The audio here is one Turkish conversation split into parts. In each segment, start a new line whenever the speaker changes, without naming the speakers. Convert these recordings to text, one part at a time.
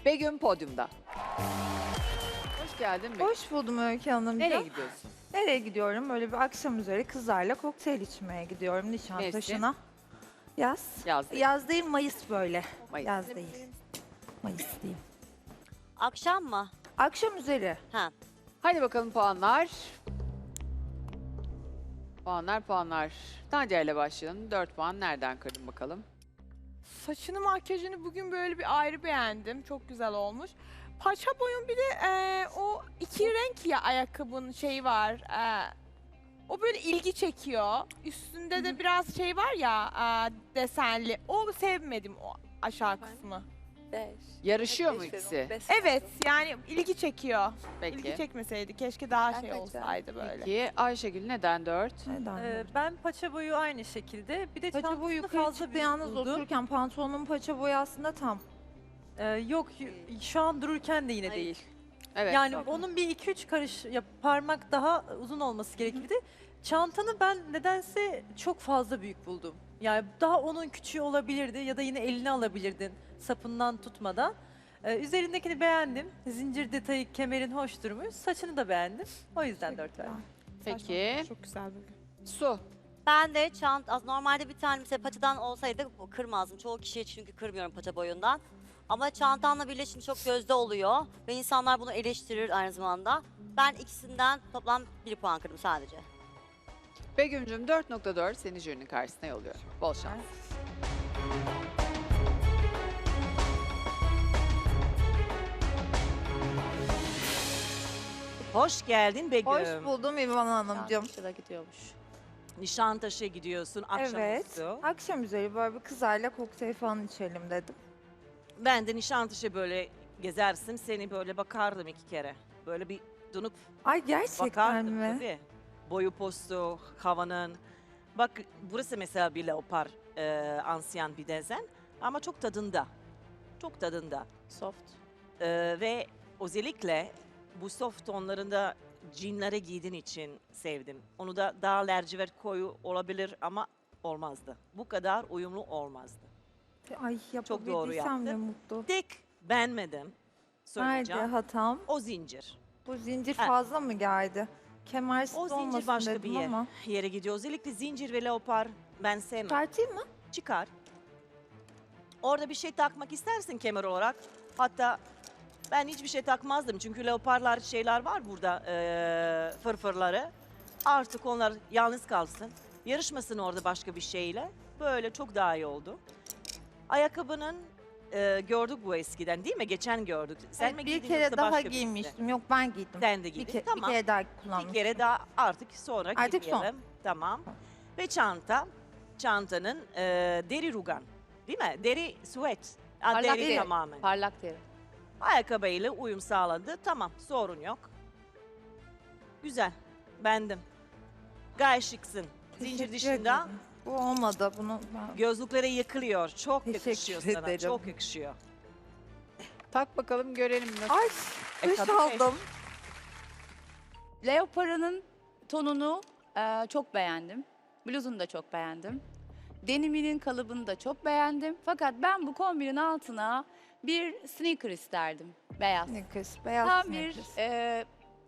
Begüm podyumda. Hoş geldin Begüm.
Hoş buldum Öykü Hanımcığım.
Nereye gidiyorsun?
Nereye gidiyorum? Böyle bir akşam üzeri kızlarla kokteyl içmeye gidiyorum Nişantaşı'na. Yaz.
Yaz değil.
Yaz değil, Mayıs böyle.
Mayıs.
Yaz değil. Mayıs değil.
Akşam mı?
Akşam üzeri.
Ha.
Hadi bakalım puanlar. Puanlar. Nadia ile başlayalım. 4 puan nereden kırdın bakalım?
Saçını, makyajını bugün böyle bir ayrı beğendim. Çok güzel olmuş. Paça boyun bir de o iki renk ya ayakkabının şeyi var. O böyle ilgi çekiyor. Üstünde de biraz şey var ya desenli. O sevmedim o aşağı kısmı.
Yarışıyor mu ikisi?
Evet yani ilgi çekiyor. İlgi
Peki.
çekmeseydi keşke daha şey olsaydı böyle.
Peki Ayşegül neden 4?
Neden?
Ben paça boyu aynı şekilde. Bir de
Paça boyu
çantasını
yukarı
fazla
çıktı
büyük
yalnız
buldum.
otururken pantolonun paça boyu aslında tam.
Yok şu an dururken de yine
Hayır.
değil.
Evet.
Yani
tamam.
onun bir 2-3 karış parmak daha uzun olması gerekirdi. Çantanı ben nedense çok fazla büyük buldum. Yani daha onun küçüğü olabilirdi ya da yine eline alabilirdin sapından tutmadan. Üzerindekini beğendim. Zincir detayı, kemerin hoş durmuş. Saçını da beğendim. O yüzden 4 verdim.
Peki.
Çok güzel bugün.
Su.
Ben de normalde bir tane mesela paçadan olsaydı kırmazdım. Çoğu kişiye çünkü kırmıyorum paça boyundan. Ama çantanla birleşince çok gözde oluyor ve insanlar bunu eleştirir aynı zamanda. Ben ikisinden toplam 1 puan kırdım sadece.
Begüm'cüm 4.4 seni jürinin karşısına yolluyorum. Bol şans.
Hoş geldin Begüm.
Hoş buldum İvan Hanımcığım.
Şurada gidiyormuş.
Nişantaşı'ya gidiyorsun akşamüstü.
Evet. Akşam üzeri böyle bir kızlarla kokteyl falan içelim dedim.
Ben de Nişantaşı böyle gezersin seni böyle bakardım 2 kere. Böyle bir dönüp
Ay gerçekten
bakardım
mi?
tabii. Boyu postu, havanın. Bak burası mesela bir leopar ansiyan bir dezen ama çok tadında. Çok tadında.
Soft.
Ve özellikle bu soft tonlarında jeanlere giydiğin için sevdim. Onu da daha lacivert koyu olabilir ama olmazdı. Bu kadar uyumlu olmazdı.
Ay
Çok doğru
yapabildiysem ne
yaptın.
mutlu.
Tek beğenmedim.
Nerede
Söyleyeceğim.
hatam?
O zincir.
Bu zincir
Ha.
fazla mı geldi? Kemersiz
O zincir
olmasın
başka
dedim
bir
ama.
yere gidiyor. Özellikle zincir ve leopar ben sevmem.
Çıkartayım mı?
Çıkar. Orada bir şey takmak istersin kemer olarak. Hatta ben hiçbir şey takmazdım. Çünkü leoparlar şeyler var burada fırfırları. Artık onlar yalnız kalsın. Yarışmasın orada başka bir şeyle. Böyle çok daha iyi oldu. Ayakkabının gördük bu eskiden değil mi? Geçen gördük. Sen
Evet,
mi
bir
giydin
kere
yoksa
daha
başka birisi?
giymiştim. Yok ben giydim.
Sen de
Bir,
giydin.
bir
Tamam.
kere daha kullanmıştım.
Bir kere daha artık sonra
Artık son.
giymeyelim. Tamam. Ve çanta. Çantanın deri rugan. Değil mi? Deri süet.
Parlak
Deri
deri.
tamamen.
Parlak deri.
Ayakkabıyla uyum sağladı. Tamam sorun yok. Güzel. Bendim. Gayet şıksın. Zincir
Teşekkür
dışında
ederim. Bu olmadı. Bunu ben...
gözlüklere yıkılıyor. Çok
Teşekkür
yakışıyor sana.
ederim.
Çok yakışıyor.
Tak bakalım görelim nasıl.
Ay duş
tabii.
aldım.
Leopara'nın tonunu çok beğendim. Bluzunu da çok beğendim. Deniminin kalıbını da çok beğendim. Fakat ben bu kombinin altına bir sneaker isterdim. Beyaz.
Sneakers, beyaz
Tam bir
sneakers.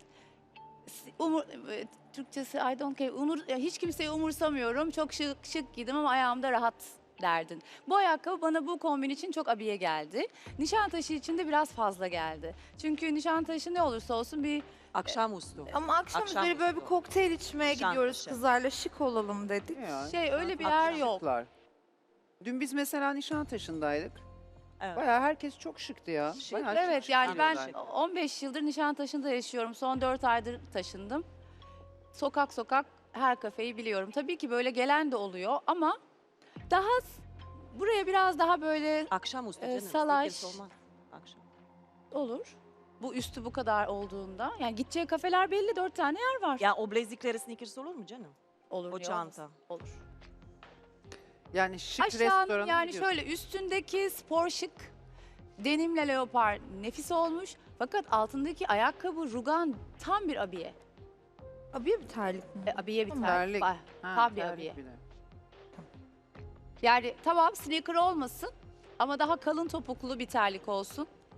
Türkçesi I don't care. Hiç kimseyi umursamıyorum. Çok şık giydim ama ayağımda rahat derdin. Bu ayakkabı bana bu kombin için çok abiye geldi. Nişantaşı için de biraz fazla geldi. Çünkü Nişantaşı ne olursa olsun bir
Akşamüstü.
Ama akşam
Akşam
üzeri böyle bir
üstü.
kokteyl içmeye
Nişantaşı.
gidiyoruz kızlarla, şık olalım dedik.
öyle bir yer yok.
Şıklar. Dün biz mesela Nişantaşı'ndaydık.
Evet.
Bayağı herkes çok şıktı ya. Bayağı
Evet
şık
yani ben
giyiyorlar.
15 yıldır Nişantaşı'nda yaşıyorum. Son 4 aydır taşındım. Sokak sokak her kafeyi biliyorum. Tabii ki böyle gelen de oluyor ama daha buraya biraz daha böyle
Akşamüstü canım.
salaş.
Sneakers olmaz. Akşam.
olur. Bu üstü bu kadar olduğunda. Yani gideceği kafeler belli 4 tane yer var.
Ya o blazikleri sneakers olur mu canım?
Olur
O
ya,
çanta.
olur.
Yani şık
Aşağının
restorana
yani
gidiyorsun.
şöyle üstündeki spor şık denimle leopar nefis olmuş. Fakat altındaki ayakkabı rugan tam bir abiye.
Abiye bir terlik mi?
Abiye bir
Tamam.
terlik.
Terlik.
Var.
Ha,
tam bir
terlik
abiye.
bir de.
Yani tamam sneaker olmasın ama daha kalın topuklu bir terlik olsun.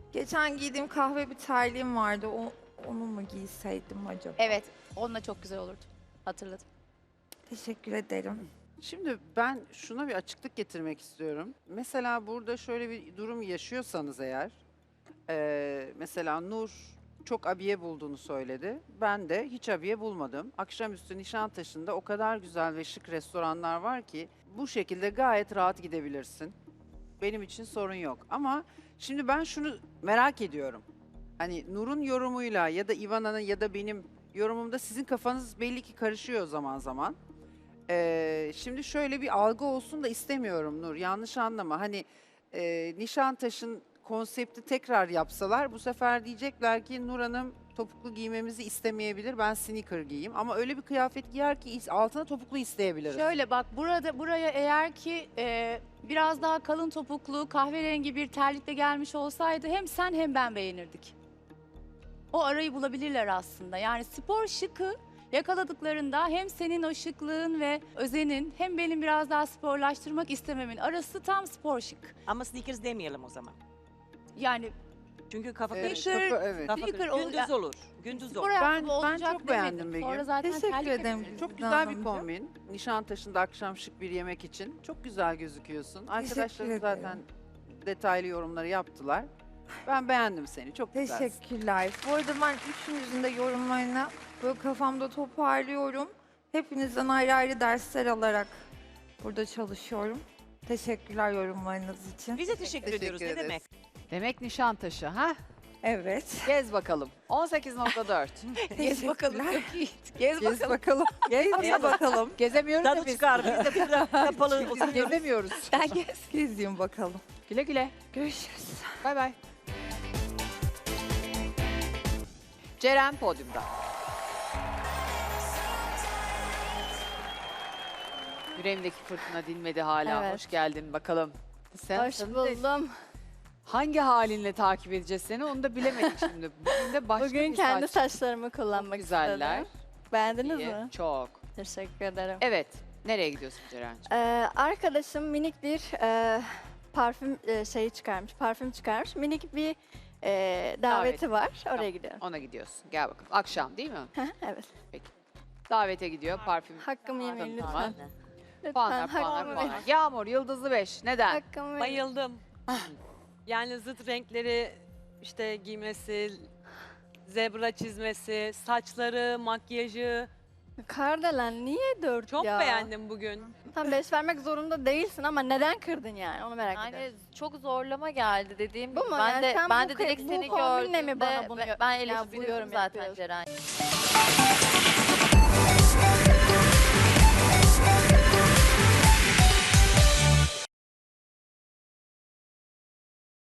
Geçen giydiğim kahve bir terliğim vardı. Onu mu giyseydim acaba?
Evet, onunla çok güzel olurdu. Hatırladım.
Teşekkür ederim.
Şimdi ben şuna bir açıklık getirmek istiyorum. Mesela burada şöyle bir durum yaşıyorsanız eğer, mesela Nur çok abiye bulduğunu söyledi. Ben de hiç abiye bulmadım. Akşamüstü Nişantaşı'nda o kadar güzel ve şık restoranlar var ki bu şekilde gayet rahat gidebilirsin. Benim için sorun yok. Ama şimdi ben şunu merak ediyorum. Hani Nur'un yorumuyla ya da Ivana'nın ya da benim yorumumda sizin kafanız belli ki karışıyor zaman zaman. Şimdi şöyle bir algı olsun da istemiyorum Nur. Yanlış anlama. Hani Nişantaşı'nın konsepti tekrar yapsalar bu sefer diyecekler ki Nur Hanım topuklu giymemizi istemeyebilir. Ben sneaker giyeyim. Ama öyle bir kıyafet giyer ki altına topuklu isteyebiliriz.
Şöyle bak, buraya eğer ki biraz daha kalın topuklu, kahverengi bir terlikle gelmiş olsaydı hem sen hem ben beğenirdik. O arayı bulabilirler aslında. Yani spor şıkı yakaladıklarında hem senin o şıklığın ve özenin hem benim biraz daha sporlaştırmak istememin arası tam spor şık.
Ama sneakers demeyelim o zaman.
Yani
Çünkü kafa
Evet,
karışır.
sneaker-
evet.
Kafa
sneaker
karışır. Gündüz olur. Gündüz
spor
olur.
ayakkabı
Ben
olacak
çok
demedim.
beğendim Begüm.
Sonra zaten
Teşekkür
terlik
ederim.
yapıyorsun.
Çok
Güzel
güzel bir
hanımcığım.
kombin. Nişantaşı'nda akşam şık bir yemek için. Çok güzel gözüküyorsun. Arkadaşlarım
ederim.
zaten detaylı yorumları yaptılar. Ben beğendim seni. Çok güzelsin.
Teşekkürler. Bu arada ben üçünüzün de yorumlarını böyle kafamda toparlıyorum. Hepinizden ayrı ayrı dersler alarak burada çalışıyorum. Teşekkürler yorumlarınız için.
Bize teşekkür ediyoruz. Ne
ederiz.
demek?
Demek Nişantaşı ha?
Evet.
Gez bakalım. 18.4.
Gez bakalım.
Teşekkürler.
Çok iyi.
Gez
Gez
bakalım.
bakalım. Gez bakalım.
Gezemiyoruz ya
Tadı
biz.
çıkar. Biz de burada kapalı
Biz
oturuyoruz.
gezemiyoruz.
Sen gez.
Gezeyim bakalım.
Güle güle.
Görüşürüz.
Bay bay. Ceren podyumda. Yüreğimdeki fırtına dinmedi hala.
Evet.
Hoş geldin bakalım. Sen
Hoş
sen de
buldum.
hangi halinle takip edeceğiz seni onu da bilemedik şimdi. Bugün de başka
Bugün
bir
kendi
saç.
saçlarımı kullanmak
Güzeller.
istedim. Beğendiniz
İyi,
mi?
çok.
Teşekkür ederim.
Evet. Nereye gidiyorsun Ceren'ciğim?
Arkadaşım minik bir parfüm şeyi çıkarmış, parfüm çıkarmış. Minik bir daveti var. Oraya
Tamam.
gidiyorum.
Ona gidiyorsun. Gel bakalım. Akşam değil mi?
Evet.
Davete gidiyor. Parfüm.
Hakkımı yemeyin
Tamam.
lütfen. Lütfen
Puanlar, puanlar,
hakkımı
puanlar.
verin.
Yağmur, Yıldızlı 5. Neden?
Hakkımı verin.
Bayıldım. Yani zıt renkleri işte giymesi, zebra çizmesi, saçları, makyajı.
Kardelen niye 4
Çok
ya?
beğendim bugün.
Tam 5 vermek zorunda değilsin ama neden kırdın yani? Onu merak ediyorum.
Yani çok zorlama geldi dediğim
Bu
gibi.
mu?
Ben
Yani
de
sen
ben
bu
de direkt
bu
seni
kombinle mi
gördüğümde
bana bunu
ben
ya bu
eleştirdim
yorum
zaten
yapıyorsun?
Ceren.